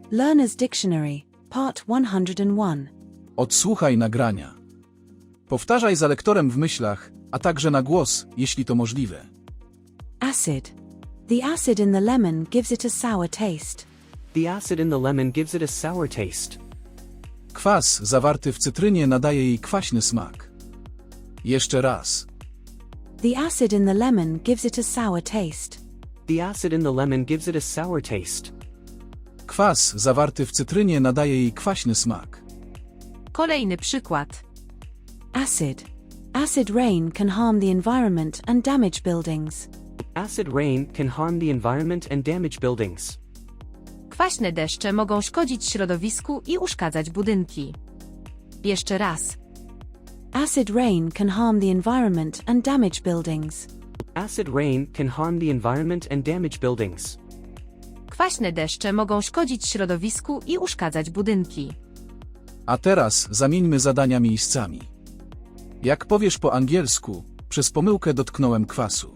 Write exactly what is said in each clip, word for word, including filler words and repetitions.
Learner's Dictionary, Part one hundred one. Odsłuchaj nagrania. Powtarzaj za lektorem w myślach, a także na głos, jeśli to możliwe. Acid. The acid in the lemon gives it a sour taste. The acid in the lemon gives it a sour taste. Kwas zawarty w cytrynie nadaje jej kwaśny smak. Jeszcze raz. The acid in the lemon gives it a sour taste. The acid in the lemon gives it a sour taste. Kwas zawarty w cytrynie nadaje jej kwaśny smak. Kolejny przykład. Acid. Acid rain can harm the environment and damage buildings. Acid rain can harm the environment and damage buildings. Kwaśne deszcze mogą szkodzić środowisku i uszkadzać budynki. Jeszcze raz. Acid rain can harm the environment and damage buildings. Acid rain can harm the environment and damage buildings. Kwaśne deszcze mogą szkodzić środowisku i uszkadzać budynki. A teraz zamieńmy zadania miejscami. Jak powiesz po angielsku, przez pomyłkę dotknąłem kwasu.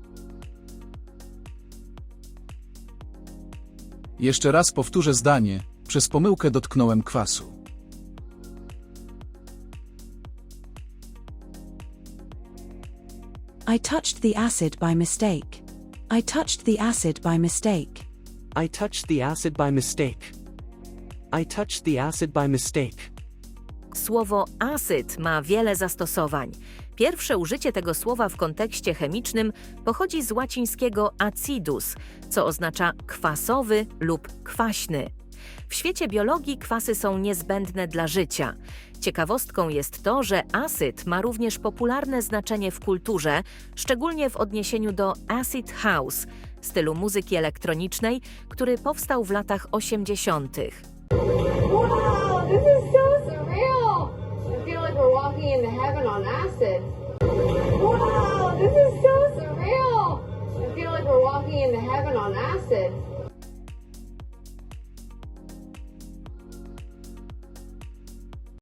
Jeszcze raz powtórzę zdanie, przez pomyłkę dotknąłem kwasu. I touched the acid by mistake. I touched the acid by mistake. I touched the acid by mistake. I touched the acid by mistake. Słowo acyd ma wiele zastosowań. Pierwsze użycie tego słowa w kontekście chemicznym pochodzi z łacińskiego acidus, co oznacza kwasowy lub kwaśny. W świecie biologii kwasy są niezbędne dla życia. Ciekawostką jest to, że acid ma również popularne znaczenie w kulturze, szczególnie w odniesieniu do acid house, stylu muzyki elektronicznej, który powstał w latach osiemdziesiątych. Wow, this is so surreal! I feel like we're walking into heaven on acid. Wow, this is so surreal! I feel like we're walking into heaven on acid.